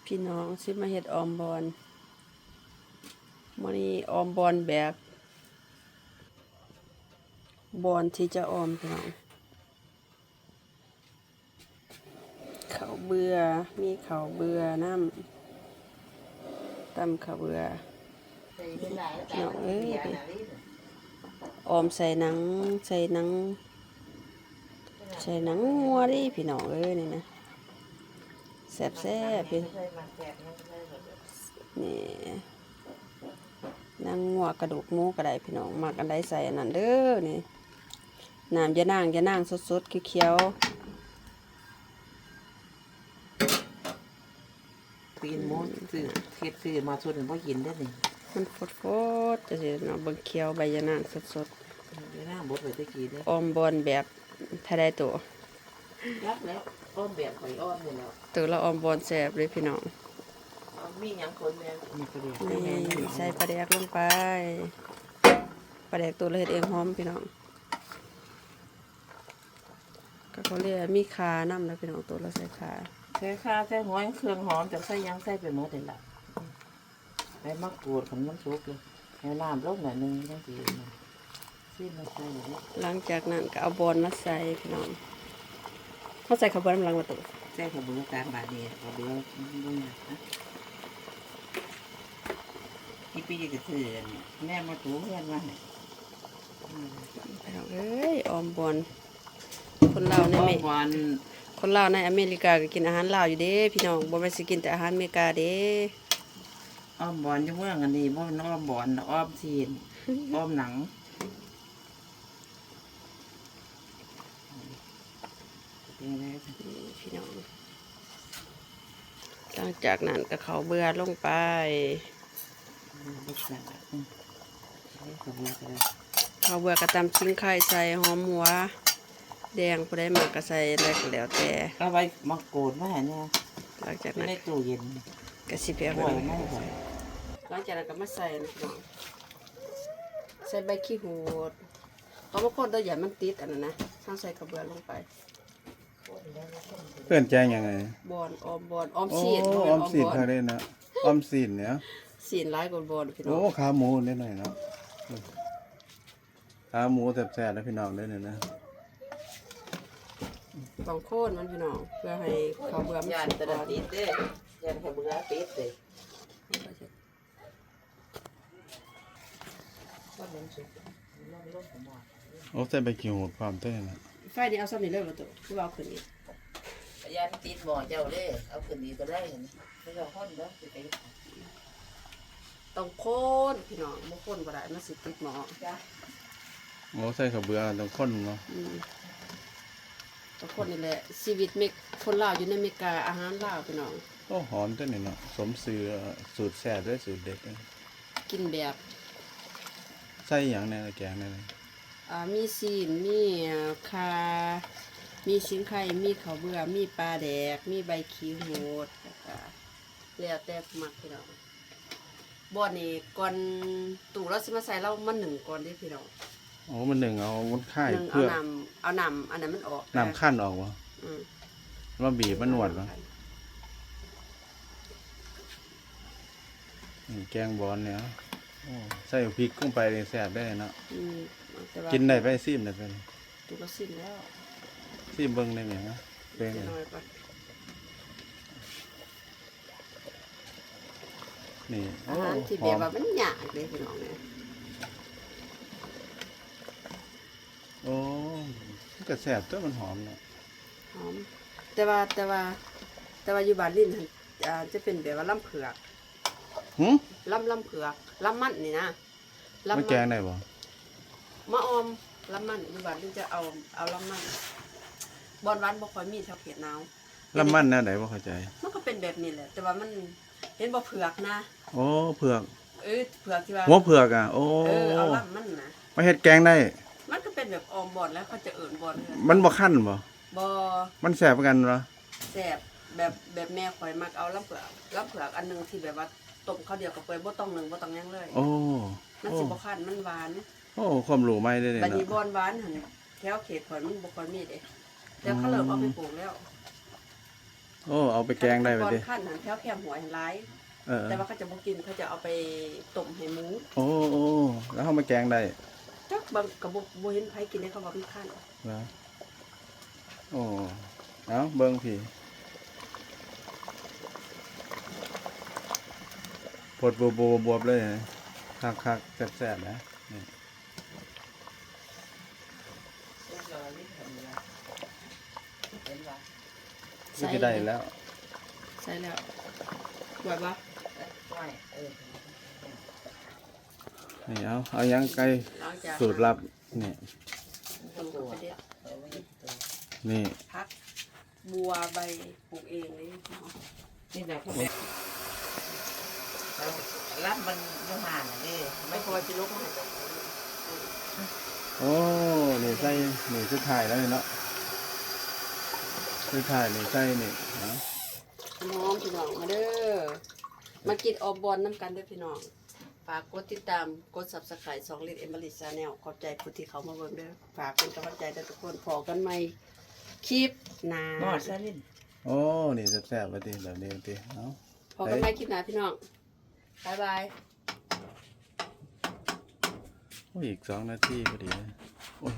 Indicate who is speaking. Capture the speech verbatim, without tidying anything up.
Speaker 1: พี่น้องสิมาเฮ็ดออมบอนมื้อนี้ออมบอนแบบบอนที่จะออมพี่น้องข้าวเบื่อมีข้าวเบื่อน้ำตำข้าวเบื่อพี่น้องเอ้ยออมใส่หนังใส่หนังใส่หนังงัวดิพี่น้องเอ้ยนี่นะแซ่บแซ่บพี่นี่นางงัวกระดูกหมูก็ได้พี่น้องมักอันใดใส่อันนั้นเด้อนี่น้ำยะนางยะนางสดๆเขียว
Speaker 2: ปีนหมูซื้อเฮ็ดซื้อมาส่วนบ่กินได้นี่
Speaker 1: ๆมันฟดๆจะสิเนาะเบิ่งเขียวใบยะนางสด
Speaker 2: เดี๋ยวหน้าบดไว้ตะกี้เด้
Speaker 1: ๆออมบอนแบบถ้าได้ตัว
Speaker 2: ยักแล้วอ้อมแบบข่อยอ้อมนี่แล้ว
Speaker 1: ตัวละออมบอนแซ่บเลยพี่น้อง
Speaker 2: มีหยังคนแม่มีกระเดียก
Speaker 1: นี่ใส่ปลาแดกลงไปปลาแดกตัวละเฮ็ดเองหอมพี่น้องก็เขาเรียกมีคาน้ำนะพี่น้องตัวละใส่คา
Speaker 2: ใส่ข้าวใส่หอยเครื่องหอมจากใส่ยังใส่ไปหมดเลยล่ะใส่มะกรูดขันมันสุกเลยให้น้ำลงหน่อยนึงจังสิซีมาใส่เลย
Speaker 1: หลังจากนั้นก็เอาบอนมาใส่พี่น้องเขาใส่ข้าวบอนน้ำลังมาตัว
Speaker 2: ใส่ข้าวเบื่อกลางบาดนี้ข้าวเบื่อบ่ยากนะที่ปีก็ซื้อแม่มาถูเพื่อนมาให้
Speaker 1: พี่น้องเอ้ยออมบอนคนลาวใน
Speaker 2: อ้อ
Speaker 1: เม
Speaker 2: มหวาน
Speaker 1: คนลาวในอเมริกาก็กินอาหารลาวอยู่เด้พี่น้องบ่แม่นสิกินแต่อาหารอเมริกาเด้
Speaker 2: อ้อมบอนอยู่เมืองอันนี้บ่แม่นอ้อมบอนอ้อมซีนอ้อมหนังเป็นไง
Speaker 1: นี่พี่น้องหลังจากนั้นก็เขาเบื่อลงไป
Speaker 2: ลูกสาวอืมนี่ก็เบื่อกันเลย
Speaker 1: เขาเบื่อกระตำชิ้นไข่ใส่หอมหัวแดงผู้ใดมากก็ใส่อะไรก็แล้วแต่
Speaker 2: เอาไว้มาโกดมาให้เนี่ย
Speaker 1: หลังจาก
Speaker 2: ไม่
Speaker 1: นั้น
Speaker 2: ได้ตู้เย็น
Speaker 1: ก็สิเปียก
Speaker 2: บ่อยไม่บ่อย
Speaker 1: หลังจากนั้นก็มาใส่นะพี่น้องใส่ใบขี้หูดเขาบอกคนตัวใหญ่มันติดอันนั้นนะต้องใส่กระเบือลงไป
Speaker 3: เพื่อนแจ้งยังไง
Speaker 1: บอนออมบอนออม
Speaker 3: โอ้
Speaker 1: ซีน
Speaker 3: ออมสินเขาได้นะออมสินเนี่ย
Speaker 1: ซีนร้ายกว่าบอนพี่น้
Speaker 3: โอ้
Speaker 1: อง
Speaker 3: ขาหมูนิดหน่อยเนาะขาหมูแซ่บๆแล้วพี่น้องได้เลยนะ
Speaker 1: ต้องโค่นมันพี่น้องเพื่อให้เขาเบื่อมัน
Speaker 2: ยาน
Speaker 1: สุก
Speaker 2: ตะ
Speaker 1: ก่อน
Speaker 2: ติดเด้ยานเขาเบื่อติดเด้ว่ามันสุกมันลงของหม้อ
Speaker 3: โอ้ใส่ใบกิ้วหูดความเต้นนะ
Speaker 1: ไฟนี่เอาซ้ำนี่เลยบ่ตัวคือว่าเอาขึ้นนี่
Speaker 2: ยานติดหม้อเจ้าเด้เอาขึ้นนี้ก็ได้เห็นไม่ต้องคนเด้อสิไป
Speaker 1: ต้องโค่นพี่น้องบ่โค่นบ่ได้มันสิติดหม้อ
Speaker 2: จ้ะ
Speaker 3: โอ้ใส่ข้าวเบื่อต้องข้นเนาะ
Speaker 1: อืมต้องโค่นนี่แหละชีวิตเมกคนลาวอยู่ในอเมริกาอาหารลาวพี่น้อง
Speaker 3: โอ้หอมเต้นนี่เนาะสมซื้อสูตรแซ่บด้วยสูตรเด็ดเลย
Speaker 1: กินแบบ
Speaker 3: ใส่หยังในแกงนี่
Speaker 1: อ่ามีซีนมีคามีชิงไข่มีข้าวเบื่อมีปลาแดกมีใบขี้โหดแล้วก็แล้วแต่มักพี่น้องบ่อนนี่ก่อนตู่เราสิมาใส่เรามันหนึ่งก่อนเด้พี่น้อง
Speaker 3: โอ้มันหนึ่งเอามันค่าย
Speaker 1: หนึ่งเอา
Speaker 3: เพื่อ
Speaker 1: น้ำเอาน้ำอันนั้นมันออก
Speaker 3: น้ำขั้นออกวะ
Speaker 1: อืม
Speaker 3: มาบีบมันนวดวะนี่แกงบอลเนี่ยโอ้ใส่พริกลงไปเลยแซ่บได้เนาะ
Speaker 1: อืมแต่ว่า
Speaker 3: กินได้ไปซิมได้ไป
Speaker 1: ตู่เราสิ้นแล้ว
Speaker 3: ซิมเบิ้งได้ไหมนะเป็น
Speaker 1: จะ
Speaker 3: ไง
Speaker 1: น้อยไป
Speaker 3: นี่
Speaker 1: อา
Speaker 3: โอ้
Speaker 1: หารที่
Speaker 3: ห
Speaker 1: แบ
Speaker 3: อบ ม
Speaker 1: ว่ามันยากเลยพี่น้องเนี่ย
Speaker 3: โอ้มันก็แซ่บตัวมันหอมเนาะ
Speaker 1: หอมแต่ว่าแต่ว่าแต่ว่าอยู่บ้านลิ้นหั่นอ่าจะเป็นแบบว่าลำเผือก
Speaker 3: หึ
Speaker 1: ลำลำเผือกลำมันนี่นะลำ
Speaker 3: ไม่
Speaker 1: น
Speaker 3: แกงได้บ่
Speaker 1: มะออมลำมันอยู่บ้านลิ้นจะเอาเอาลำมันบอนหวานบ่ค่อยมีแถวเขตหนาว
Speaker 3: ลำมันแนวไหนบ่เข้าใจ
Speaker 1: มันก็เป็นแบบนี้แหละ แต่ว่ามันเห็นบ่เผือกนะ
Speaker 3: โอ้เผือก
Speaker 1: เออเผือกที่ว่า
Speaker 3: หัวเผือกอ่ะ โอ้
Speaker 1: เออเอาลำมันนะ
Speaker 3: มาเฮ็ดแกงได้
Speaker 1: มันก็เป็นแบบออมบอนแล้วเขาจะเอิ่นบอนเลย
Speaker 3: มันบ่คั่นบ่
Speaker 1: บ่
Speaker 3: มันแซ่บเหมือนกันเหรอ
Speaker 1: แซ่บแบบแบบแม่ข่อยมักเอาลำเผือกลำเผือกอันหนึงที่แบบว่าต้มข้าวเดียวกับเปื่อยบ่ต้องนึ่งบ่ต้องหยังเลย
Speaker 3: โอ้
Speaker 1: มัน
Speaker 3: โอ้
Speaker 1: สิบ่คันมันหวาน
Speaker 3: โอ้ความรู้ใหม่ได้เลย
Speaker 1: บัด
Speaker 3: เนาะ
Speaker 1: นี้บอนหวานหั่นแถวเขตข่อยมันบ่ค่อยมีเด้แต่เขาเริ่มเอาไปปลูกแล้ว
Speaker 3: โโอ้เอาไปแกงได้ไป
Speaker 1: ก่อน
Speaker 3: ดิ
Speaker 1: ขั้นหันแถวแคมหัวหันร้าย
Speaker 3: เออ
Speaker 1: แต่ว่าเขาจะบ่กินเขาจะเอาไปต้มให้หมู
Speaker 3: โอ้โอ้แล้วเอามาแกงได้
Speaker 1: จักบางกับบ่บ่เห็นไผกินได้เขาว่ามันขั้น
Speaker 3: เหรอโอ้เอาเบิ่งพี่ปวดบวบบวบเลยนะคักคักแซ่บๆนะนี่
Speaker 2: เรียบร้อยนี่เห็นแล้วเห็นว่า
Speaker 3: นี่ก็ได้แล้ว
Speaker 1: ใส่แล้วไหวบ่
Speaker 2: ไม่เออ
Speaker 3: นี่เอาเอายังไก่
Speaker 1: หลังจาก
Speaker 3: สูตรลับนี่
Speaker 1: ต้มกับไปเด็ด
Speaker 2: เออไม่เห็นตัว
Speaker 3: นี่
Speaker 1: พักบัวใบปลูกเองเลย
Speaker 2: นี่แหละเขาแบบแล้วรับมันไม่ห่างเลย
Speaker 1: ไม่
Speaker 2: ไม่
Speaker 1: พอจะลกมาให้เจ้าของ
Speaker 3: โอ้นี่ใส่นี่สุดท้ายแล้วนี่เนาะสุดท้ายนี่ใส่นี่เนาะ
Speaker 1: น้องพี่น้องมาเด้อมากินออบบอลน้ำกันเด้อพี่น้องฝากกดติดตามกด ซับสไครบ์ สองลิตรเอมเบอรี่ชาแนลขอบใจผู้ที่เขามาเบิ่งเด้อฝากเป็นกำลังใจเด้อทุกคนพอกันใหม่คลิปหน้าน
Speaker 2: อดซะนิด
Speaker 3: โอ้นี่แซ่บๆไปดิแบบนี้ดิเอา
Speaker 1: พอกันใหม่คลิปหน้าพี่น้องบ๊ายบาย
Speaker 3: โอ้ยอีกสองนาทีพอดีนะ